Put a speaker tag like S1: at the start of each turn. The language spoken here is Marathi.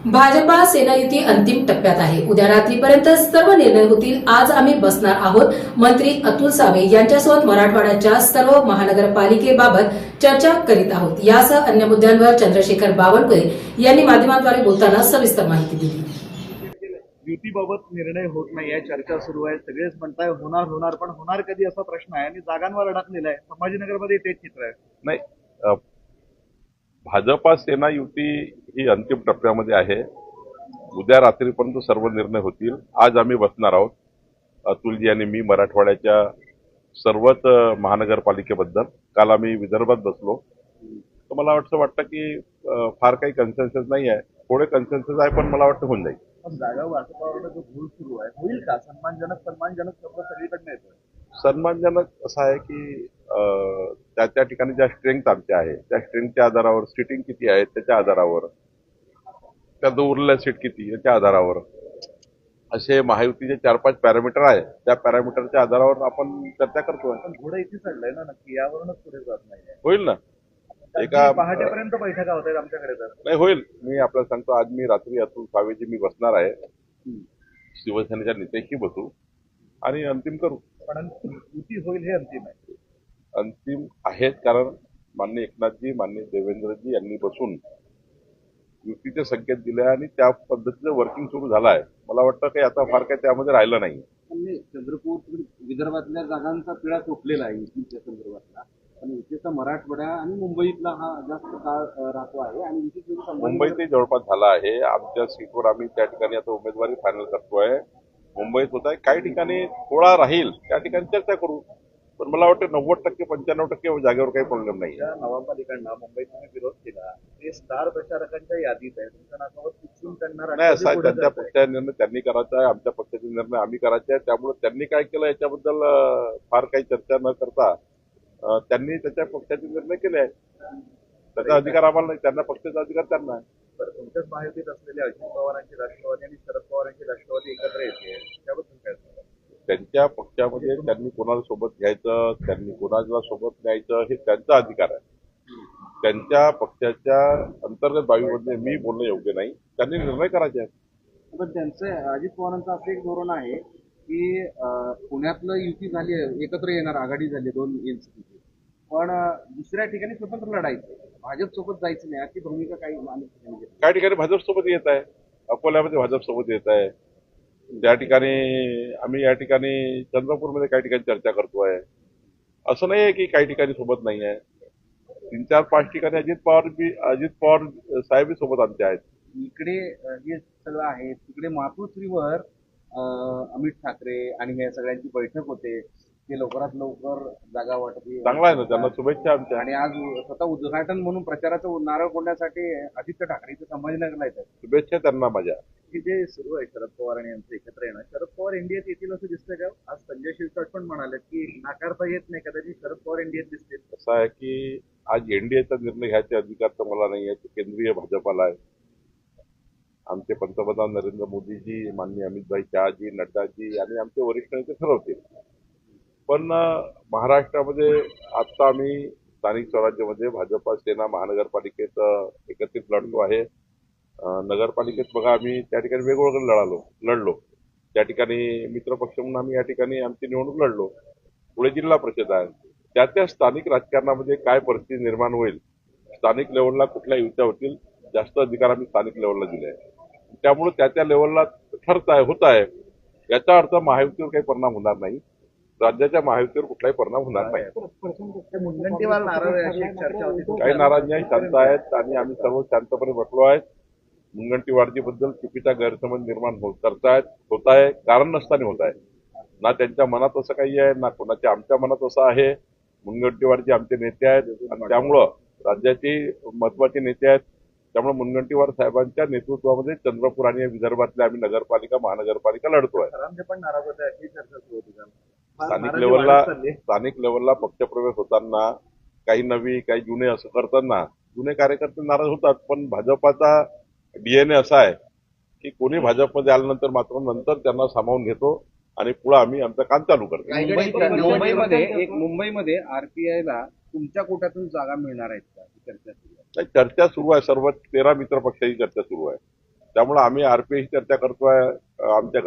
S1: भाजपा सेना युती अंतिम टप्प्यात आहे। उद्या रात्रीपर्यंत सर्व निर्णय होतील। आज आम्ही बसणार आहोत। मंत्री अतुल सावे यांच्यासोबत मराठवाड्याच्या सर्व महानगरपालिकेबाबत चर्चा करीत आहोत। यासह अन्य मुद्द्यांवर चंद्रशेखर बावनकुळे यांनी माध्यमांद्वारे बोलताना सविस्तर माहिती दिली।
S2: युतीबाबत निर्णय होत नाहीये, चर्चा सुरू आहे। सगळेच म्हणताय होणार होणार, पण होणार कधी असा प्रश्न आहे आणि जागांवर अडकलेला आहे। संभाजीनगरमध्ये तेच चित्र आहे।
S3: नाही, भाजपा सेना युती ही अंतिम टप्प्यामध्ये आहे। उद्या रात्रीपर्यंत सर्व निर्णय होतील। आज आम्ही बसणार आहोत, अतुलजी आणि मी, मराठवाड्याच्या सर्वच महानगरपालिकेबद्दल। काल आम्ही विदर्भात बसलो, तर मला वाटतं की फार काही कन्सेन्सस नाही आहे, थोडे कन्सेन्सस आहे, पण मला वाटतं होऊन जाईल।
S2: पण जागा वाटपावर जो घोळ सुरू आहे, होईल का? सन्मानजनक शब्द सगळीकडनं येतोय।
S3: सन्मानजनक असं आहे की त्या ठिकाणी ज्या स्ट्रेंथ आमच्या आहे, त्या स्ट्रेंथच्या आधारावर, सिटिंग किती आहे त्याच्या आधारावर, त्या उरलेल्या सीट किती याच्या आधारावर, असे महायुतीचे 4-5 पॅरामीटर आहे। त्या पॅरामीटरच्या आधारावर आपण चर्चा करतोय।
S2: पण घोडं इथे चढलंय ना नक्की, यावरूनच पुढे जात नाहीये।
S3: होईल ना,
S2: एका पहाटेपर्यंत बैठका होत आहेत आमच्याकडे। तर
S3: नाही होईल। मी आपल्याला सांगतो, आज मी रात्री अतुल सावेजी मी बसणार आहे, शिवसेनेच्या नेत्याशी बसू आणि अंतिम करू।
S2: पण युती होईल हे अंतिम आहे।
S3: अंतिम आहेत, कारण माननीय एकनाथजी, माननीय देवेंद्रजी यांनी बसून युतीचे संकेत दिले आणि त्या पद्धतीचं वर्किंग सुरू झालं आहे। मला वाटतं की आता फार काही त्यामध्ये राहिलं नाही।
S4: चंद्रपूर विदर्भातल्या जागांचा पिळा सोपलेला आहे युतीच्या संदर्भातला, पण युतीचा मराठवाडा आणि मुंबईतला हा जास्त काळ राहतो आहे आणि
S3: मुंबईतही जवळपास झाला आहे। आमच्या सीटवर आम्ही त्या ठिकाणी आता उमेदवारी फायनल करतोय। मुंबईत होत आहे, काही ठिकाणी थोडा राहील, त्या ठिकाणी चर्चा करू। पण मला वाटतं 90% 95% जागेवर काही प्रॉब्लेम नाही।
S2: नवाबपालिकांना मुंबईत विरोध केला, ते स्टार प्रचारकांच्या यादीत आहे। तुमच्या नाकावर चिकटून करणार
S3: नाही, असा त्यांच्या पक्षाचा निर्णय त्यांनी करायचा आहे, आमच्या पक्षाचे निर्णय आम्ही करायचे आहे। त्यामुळे त्यांनी काय केलं याच्याबद्दल फार काही चर्चा न करता त्यांनी त्याच्या पक्षाचे निर्णय केले आहेत। त्याचा अधिकार आम्हाला नाही, त्यांना पक्षाचा अधिकार त्यांना आहे।
S2: तुमच्याच महायुतीत असलेले अजित पवारांची राष्ट्रवादी आणि शरद पवारांची राष्ट्रवादी एकत्र येते, त्याबद्दल काय सांगा?
S3: त्यांच्या पक्षामध्ये त्यांनी कोणाला सोबत घ्यायचं, त्यांनी कोणाला सोबत न्यायचं, हे त्यांचा अधिकार आहे। त्यांच्या पक्षाच्या अंतर्गत बाबीमध्ये मी बोलणं योग्य नाही, त्यांनी निर्णय करायचे आहेत।
S4: पण त्यांचं अजित पवारांचं असं एक धोरण आहे की पुण्यातलं युती झाली, एकत्र येणार, आघाडी झाली 2 एनसीपीची, पण दुसऱ्या ठिकाणी स्वतंत्र लढायचं, भाजप सोबत जायचं नाही, अशी भूमिका
S3: काही ठिकाणी भाजप सोबत येत आहे, अकोल्यामध्ये भाजप सोबत येत आहे, त्या ठिकाणी आम्ही या ठिकाणी चंद्रपूरमध्ये काही ठिकाणी चर्चा करतोय। असं नाही आहे की काही ठिकाणी सोबत नाही आहे। 3-4-5 ठिकाणी अजित पवार साहेब सोबत आमचे आहेत।
S4: इकडे हे सगळं आहे, तिकडे मातोश्रीवर अमित ठाकरे आणि हे सगळ्यांची बैठक होते, ते लवकरात लवकर जागा वाटप
S3: चांगला आहे ना, त्यांना शुभेच्छा आमच्या।
S4: आणि आज स्वतः उद्घाटन म्हणून प्रचाराचं नारळ फोडण्यासाठी आदित्य ठाकरे इथे संभाजीनगरला येतात।
S3: शुभेच्छा त्यांना माझ्या।
S2: की जे सुरू आहे शरद पवार आणि यांचं एकत्र येणं, शरद पवार एनडीएत येतील असं दिसतं का? आज संजय शिरसाट पण म्हणाले की नाकारता येत नाही, कदाचित शरद पवार एनडीएत दिसतील।
S3: असं आहे की आज एनडीएचा निर्णय घ्यायचे अधिकार तर मला नाही आहे, ते केंद्रीय भाजपाला आहे। आमचे पंतप्रधान नरेंद्र मोदीजी, माननीय अमितभाई शहाजी, नड्डाजी आणि आमचे वरिष्ठ नेते ठरवतील। पण महाराष्ट्रामध्ये आता आम्ही स्थानिक स्वराज्यामध्ये भाजपा सेना महानगरपालिकेत एकत्रित लढतो आहे। नगरपालिकेत बघा, आम्ही त्या ठिकाणी वेगवेगळं लढलो। त्या ठिकाणी मित्रपक्ष म्हणून आम्ही या ठिकाणी आमची निवडणूक लढलो। पुढे जिल्हा परिषद आहे, त्या स्थानिक राजकारणामध्ये काय परिस्थिती निर्माण होईल, स्थानिक लेवलला कुठल्या युत्या होतील, जास्त अधिकार आम्ही स्थानिक लेवलला दिले आहे। त्यामुळे त्या लेवलला होत आहे। याचा अर्थ महायुतीवर काही परिणाम होणार नाही, राज्याच्या महायुतीवर कुठलाही परिणाम होणार नाही।
S2: मुनगंटीवार नाराज आहे अशी चर्चा होती।
S3: काही नाराज नाही, शांत आहेत आणि आम्ही सर्व शांतपणे बसलो आहेत। मुनगंटीवारजीबद्दल चुकीचा गैरसमज निर्माण होत आहे, कारण नसताना होत आहे ना। त्यांच्या मनात असं काही आहे ना कोणाच्या आमच्या मनात असं आहे। मुनगंटीवारजी आमचे नेते आहेत आणि त्यामुळं राज्याचे महत्वाचे नेते आहेत। त्यामुळे मुनगंटीवार साहेबांच्या नेतृत्वामध्ये चंद्रपूर आणि विदर्भातल्या आम्ही नगरपालिका महानगरपालिका लढतोय।
S2: पण नाराज होते अशी चर्चा सुरू होती।
S3: स्थानिक लेवलला पक्षप्रवेश होताना काही नवी काही जुने असं करताना जुने कार्यकर्ते नाराज होतात, पण भाजपाचा डीएनए असा आहे की कोणी भाजपमध्ये आल्यानंतर मात्र नंतर त्यांना सामावून घेतो आणि पुढे आम्ही आमचं काम चालू करतो।
S4: मुंबईमध्ये आरपीआयला तुमच्या कोट्यातून जागा मिळणार आहेत का, चर्चा सुरू आहे?
S3: चर्चा सुरू आहे, सर्व 13 मित्र पक्षाची चर्चा सुरू आहे। त्यामुळे आम्ही आरपीआयशी चर्चा करतोय. आमच्या